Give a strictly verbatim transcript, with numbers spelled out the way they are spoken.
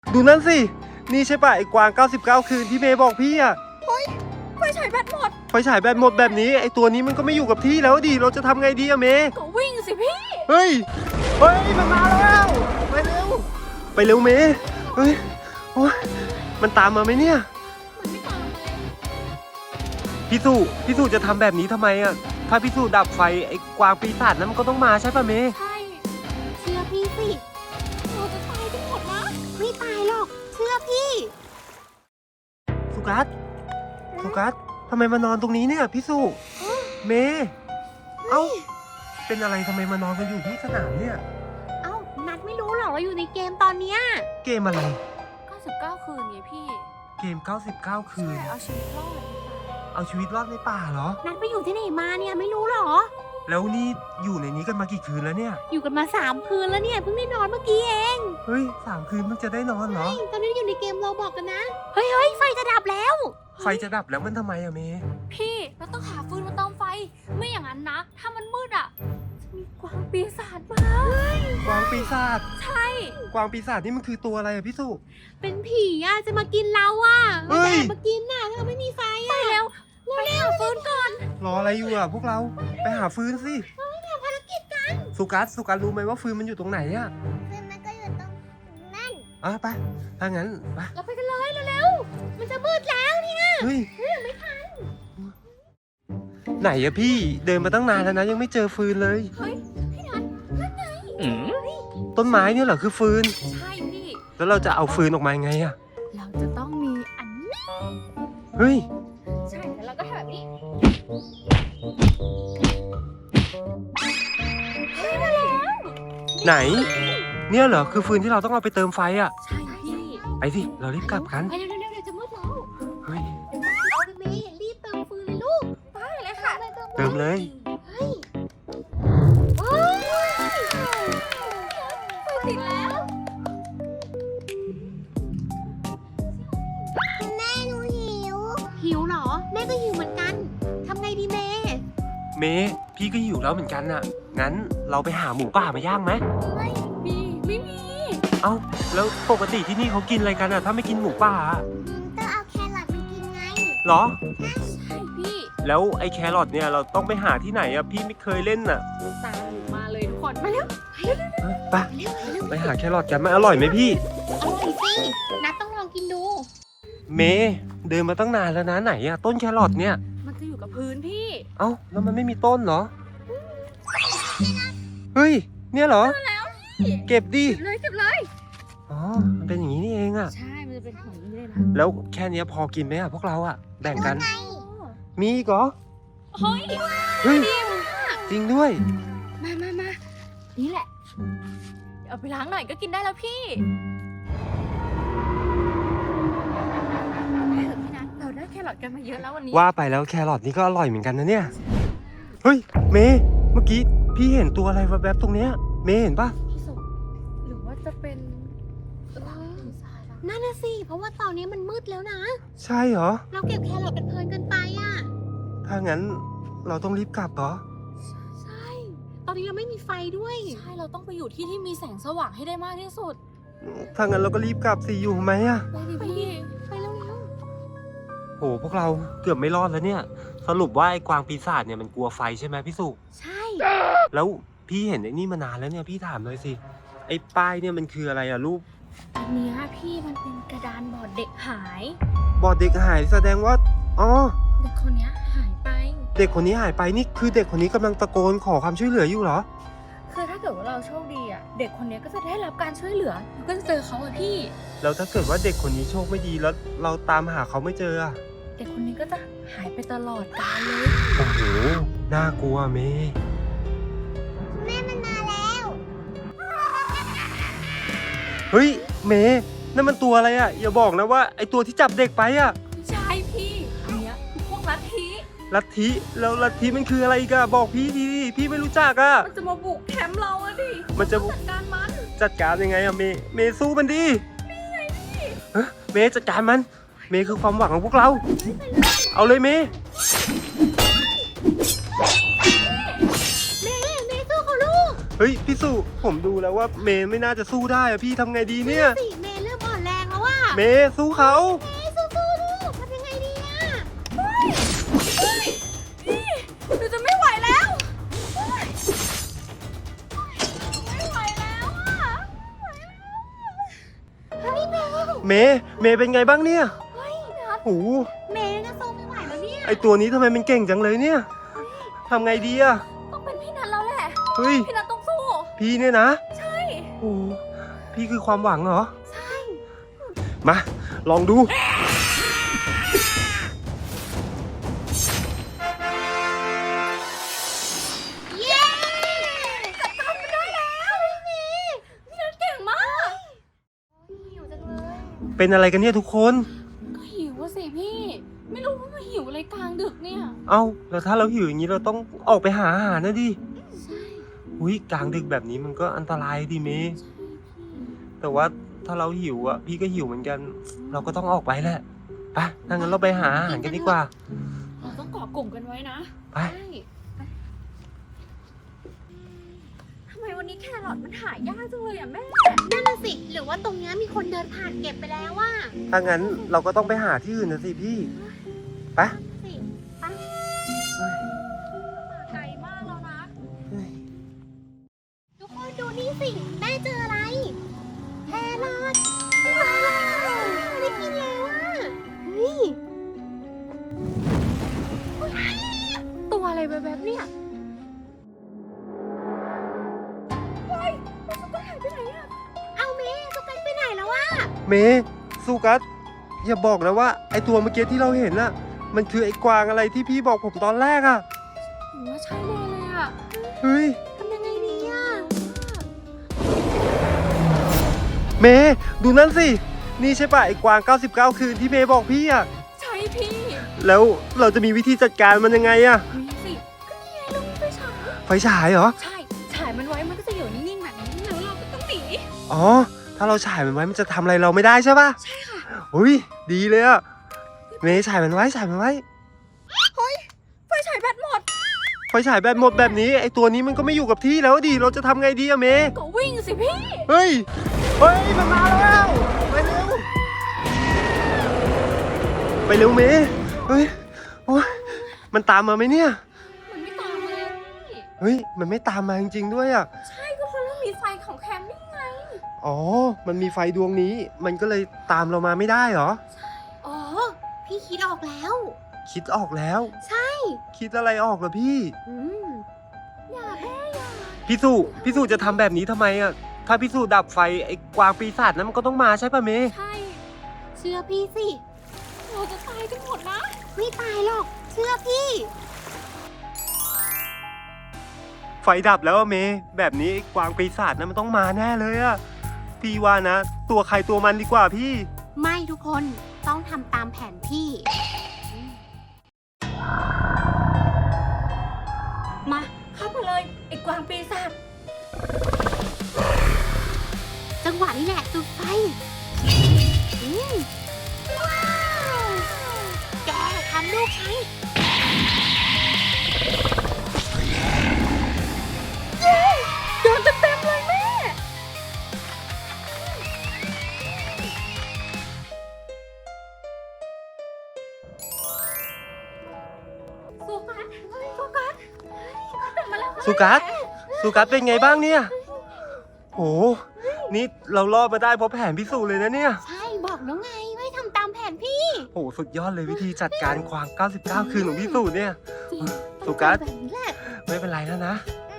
ดูนั่นสินี่ใช่ป่ะไอ้กวางเก้าสิบเก้าคืนที่เมย์บอกพี่อะเฮ้ยไฟฉายแบตหมดไฟฉายแบตหมดแบบนี้ไอ้ตัวนี้มันก็ไม่อยู่กับที่แล้วดิเราจะทำไงดีอะเมย์ก็วิ่งสิพี่เฮ้ยเฮ้ยมันมาแล้วไปเร็วไปเร็วเมย์เฮ้ยโอ้ยมันตามมาไหมเนี่ยพี่สุพี่สุจะทำแบบนี้ทำไมอะถ้าพี่สุดับไฟไอ้กวางปีศาจนั้นมันก็ต้องมาใช่ป่ะเมย์ใช่เชื่อพี่สิเราจะตายกันหมดนะไม่ตายหรอกเชื่อพี่สุกัสสุกัสทำไมมานอนตรงนี้เนี่ยพี่สุเมย์เอ้าเป็นอะไรทำไมมานอนกันอยู่ที่สนามเนี่ยเอ้านัดไม่รู้หรอว่าอยู่ในเกมตอนเนี้ยเกมอะไรเก้าสิบเก้าคืนไงพี่เกมเก้าสิบเก้าคืนเอาชีวิตรอดเอาชีวิตรอดในป่าเหรอนัดไปอยู่ที่ไหนมาเนี่ยไม่รู้หรอแล้วนี่อยู่ในนี้กันมากี่คืนแล้วเนี่ยอยู่กันมาสามคืนแล้วเนี่ยเพิ่งได้นอนเมื่อกี้เองเฮ้ยสามคืนเพิ่งจะได้นอนเหรอตอนนี้อยู่ในเกมเราบอกกันนะเฮ้ยเฮ้ยไฟจะดับแล้วไฟจะดับแล้วมันทำไมอะเมย์พี่เราต้องหาฟืนมาเติมไฟไม่อย่างนั้นนะถ้ามันมืดอะจะมีกวางปีศาจมากวางปีศาจใช่กวางปีศาจนี่มันคือตัวอะไรอะพี่สุเป็นผีอะจะมากินเราอะเฮ้ยมากินน่ะถ้าเราไม่มีไฟอะไปแล้วไปหาฟืนก่อนรออะไรอยู่อะพวกเราไปหาฟืนสิภารกิจกันสุกัสสุกัสรู้ไหมว่าฟืนมันอยู่ตรงไหนอะฟืนมันก็อยู่ตรงนั่นอ่ะไปถ้างั้นไปเราไปกันเลยเร็วๆมันจะมืดแล้วเนี่ยเฮ้ยไม่ทันไหนอะพี่เดินมาตั้งนานแล้วนะยังไม่เจอฟืนเลยเฮ้ยพี่นัทนั่นไงต้นไม้เนี่ยเหรอคือฟืนใช่พี่แล้วเราจะเอาฟืนออกมาไงอะเราจะต้องมีอันนี้เฮ้ยใช่แล้วเราก็ทำแบบนี้เฮ้ยมาแล้วไหนเนี่ยเหรอคือฟืนที่เราต้องเอาไปเติมไฟอะใช่พี่ไปสิเรารีบกลับกันไปเร็วๆเดี๋ยวจะมืดแล้วเฮ้ยเอาไปเมย์รีบเติมฟืนเลยลูกไปเลยค่ะเติมเลยเฮ้ยโอ้ยไฟติดแล้วแม่หนูหิวหิวเหรอแม่ก็หิวเหมือนกันทำไงดีเมย์เมย์พี่ก็หิวแล้วเหมือนกันน่ะงั้นเราไปหาหมูป่ามาย่างไหมไม่มีไม่มีเอ้าแล้วปกติที่นี่เขากินอะไรกันอะถ้าไม่กินหมูป่าต้องเอาแครอทมากินไงเหรอใช่พี่แล้วไอ้แครอทเนี่ยเราต้องไปหาที่ไหนอะพี่ไม่เคยเล่นน่ะตามหนูมาเลยทุกคนมาเร็วไปไปหาแครอทกันมันอร่อยไหมพี่อร่อยสินัดต้องลองกินดูเมย์เดินมาตั้งนานแล้วนะไหนอะต้นแครอทเนี่ยมันจะอยู่กับพื้นพี่เอ้าแล้วมันไม่มีต้นเหรอเฮ้ยเนี่ยเหรอเก็บดิเลยเก็บเลยอ๋อมันเป็นอย่างนี้นี่เองอะใช่มันจะเป็นของนี้เลยนะแล้วแค่นี้พอกินไหมอะพวกเราอะแบ่งกันมีอีกเหรอเฮ้ยเฮ้ยจริงด้วยมามามานี่แหละเอาไปล้างหน่อยก็กินได้แล้วพี่ได้เหรอพี่นัทเราได้แครอทกันมาเยอะแล้ววันนี้ว่าไปแล้วแครอทนี่ก็อร่อยเหมือนกันนะเนี่ยเฮ้ยเมย์เมื่อกี้พี่เห็นตัวอะไรแวบๆตรงเนี้ยเมย์เห็นปะหรือว่าจะเป็นนั่นน่ะสิเพราะว่าตอนนี้มันมืดแล้วนะใช่เหรอเราเก็บแครอทกันเพลินกันไปอ่ะถ้างั้นเราต้องรีบกลับเหรอใช่ตอนนี้เราไม่มีไฟด้วยใช่เราต้องไปอยู่ที่ที่มีแสงสว่างให้ได้มากที่สุดถ้างั้นเราก็รีบกลับสิอยู่ไหมอะไปดิพี่ไปเร็วๆโหพวกเราเกือบไม่รอดแล้วเนี่ยสรุปว่าไอ้กวางปีศาจเนี่ยมันกลัวไฟใช่ไหมพี่สุใช่แล้วพี่เห็นไอ้นี่มานานแล้วเนี่ยพี่ถามเลยสิไอ้ป้ายเนี่ยมันคืออะไรอะรูปอันนี้พี่มันเป็นกระดานบอร์ดเด็กหายบอร์ดเด็กหายแสดงว่าอ๋อเด็กคนนี้หายไปเด็กคนนี้หายไปนี่คือเด็กคนนี้กำลังตะโกนขอความช่วยเหลืออยู่เหรอคือถ้าเกิดว่าเราโชคดีอ่ะเด็กคนนี้ก็จะได้รับการช่วยเหลือเราก็จะเจอเขาอะพี่แล้วถ้าเกิดว่าเด็กคนนี้โชคไม่ดีแล้วเราตามหาเขาไม่เจออะเด็กคนนี้ก็จะหายไปตลอดกาลเลยโอ้โหน่ากลัวเมย์แม่มันมาแล้วเฮ้ยเมย์นั่นมันตัวอะไรอะอย่าบอกนะว่าไอตัวที่จับเด็กไปอะใช่พี่อันเนี้ยคือพวกลัทธิลัทธิแล้วลัทธิมันคืออะไรกันบอกพี่ทีพี่ไม่รู้จักอะมันจะมาบุกแคมป์เราอะดิมันจะจัดการมันจัดการยังไงอะเมย์เมย์สู้มันดินี่ไงพี่เฮ้ยเมย์จัดการมันเมย์คือความหวังของพวกเราเอาเลยเมย์เมย์เมย์สู้เขาลูกเฮ้ยพี่สุผมดูแล้วว่าเมย์ไม่น่าจะสู้ได้อะพี่ทำไงดีเนี่ยสิเมย์เริ่มอ่อนแรงเมย์สู้เขาเฮ้ยสู้ๆลูกทำยังไงดีอะพี่หนูจะไม่ไหวแล้วเฮ้ยไม่ไหวแล้วอ่ะเฮ้ยเมย์เมย์เมย์เป็นไงบ้างเนี่ยเฮ้ยนัดโอ้โหเมย์นะสู้ไม่ไหวแล้วเนี่ยไอตัวนี้ทำไมมันเก่งจังเลยเนี่ยทำไงดีอะต้องเป็นพี่นัทแล้วแหละเฮ้ยพี่นัทต้องสู้พี่เนี่ยนะใช่โอ้โหพี่คือความหวังเหรอใช่มาลองดูเย้จัดการมันได้แล้วพี่พี่นัทเก่งมากหิวจังเลยเป็นอะไรกันเนี่ยทุกคนก็หิวอะสิพี่ ไม่รู้ว่ามาหิวอะไรกลางดึกเนี่ยเอ้าแล้วถ้าเราหิวอย่างนี้เราต้องออกไปหาอาหารนะดิใช่อุ้ยกลางดึกแบบนี้มันก็อันตรายดิเมย์ใช่พี่แต่ว่าถ้าเราหิวอ่ะพี่ก็หิวเหมือนกัน เราก็ต้องออกไปแหละไปถ้างั้นเราไปหาอาหารกันดีกว่าเราต้องเกาะกลุ่มกันไว้นะไปใช่ทำไมวันนี้แครอทมันหายากจังเลยอ่ะแม่นั่นน่ะสิหรือว่าตรงนี้มีคนเดินผ่านเก็บไปแล้วว่าถ้างั้นเราก็ต้องไปหาที่อื่นนะสิพี่ไปสิไปมาไกลมากแล้วนะทุกคนดูนี่สิแม่เจออะไรแครอทว้าวได้กินแล้วอ่ะเฮ้ยตัวอะไรแบบๆเนี่ยเฮ้ยมันก็หายไปไหนอะเอาเมย์สุกันไปไหนแล้ววะเมย์สุกัสอย่าบอกนะว่าไอตัวเมื่อกี้ที่เราเห็นน่ะ มันคือไอกวางอะไรที่พี่บอกผมตอนแรกอ่ะหนูว่าใช่แน่เลยอะเฮ้ยทำยังไงดีอ่ะเมย์ดูนั่นสินี่ใช่ป่ะไอกวางเก้าสิบเก้าคืนที่เมย์บอกพี่อ่ะใช่พี่แล้วเราจะมีวิธีจัดการมันยังไงอ่ะมีสิก็นี่ไงเรามีไฟฉายไฟฉายเหรอใช่ฉายมันไว้มันก็จะอยู่นิ่งๆแบบนี้แล้วเราก็ต้องหนีอ๋อถ้าเราฉายมันไว้มันจะทำอะไรเราไม่ได้ใช่ป่ะใช่ค่ะอุ้ยดีเลยอ่ะเมย์ฉายมันไว้ฉายมันไว้ไฟฉายแบตหมดไฟฉายแบตหมดแบบนี้ไอตัวนี้มันก็ไม่อยู่กับที่แล้วดิเราจะทำไงดีอะเมย์ก็วิ่งสิพี่เฮ้ยเฮ้ยมันมาแล้วไปเร็วไปเร็วเมย์เฮ้ยโอ๊ยมันตามมาไหมเนี่ยมันไม่ตามมาเลยพี่เฮ้ยมันไม่ตามมาจริงๆด้วยอ่ะใช่ก็เพราะเรามีไฟของแคมป์นี่ไงอ๋อมันมีไฟดวงนี้ มันก็เลยตามเรามาไม่ได้เหรออ๋อพี่คิดออกแล้วคิดออกแล้วใช่คิดอะไรออกเหรอพี่อืมอย่าแม่อย่าพี่สุพี่สุจะทำแบบนี้ทำไมอ่ะ ถ้าพี่สุดับไฟไอ้กวางปีศาจนั้นมันก็ต้องมาใช่ป่ะเมย์ใช่เชื่อพี่สิเราจะตายกันหมดนะไม่ตายหรอก เชื่อพี่ไฟดับแล้วอะเมย์แบบนี้ไอ้กวางปีศาจนั้นมันต้องมาแน่เลยอะพี่ว่านะ ตัวใครตัวมันดีกว่าพี่ไม่ทุกคนต้องทำตามแผนพี่มาเข้ามาเลยไอ้กวางปีศาจจังหวะนี้แหละจุดไฟอืมว้าวแกทำลูกฉันเย้โดนเต็มๆเลยแม่สุกัสสุกัสกลับมาแล้วสุกัสสุกัสเป็นไงบ้างเนี่ยโหนี่เรารอดมาได้เพราะแผนพิสูจน์เลยนะเนี่ยใช่บอกแล้วไงไม่ทำตามแผนพี่โหสุดยอดเลยวิธีจัดการควางเก้าสิบเก้าคืนของพี่สูจน์เนี่ยจริงสุกัสแบบนี้แหละไม่เป็นไรแล้วนะอ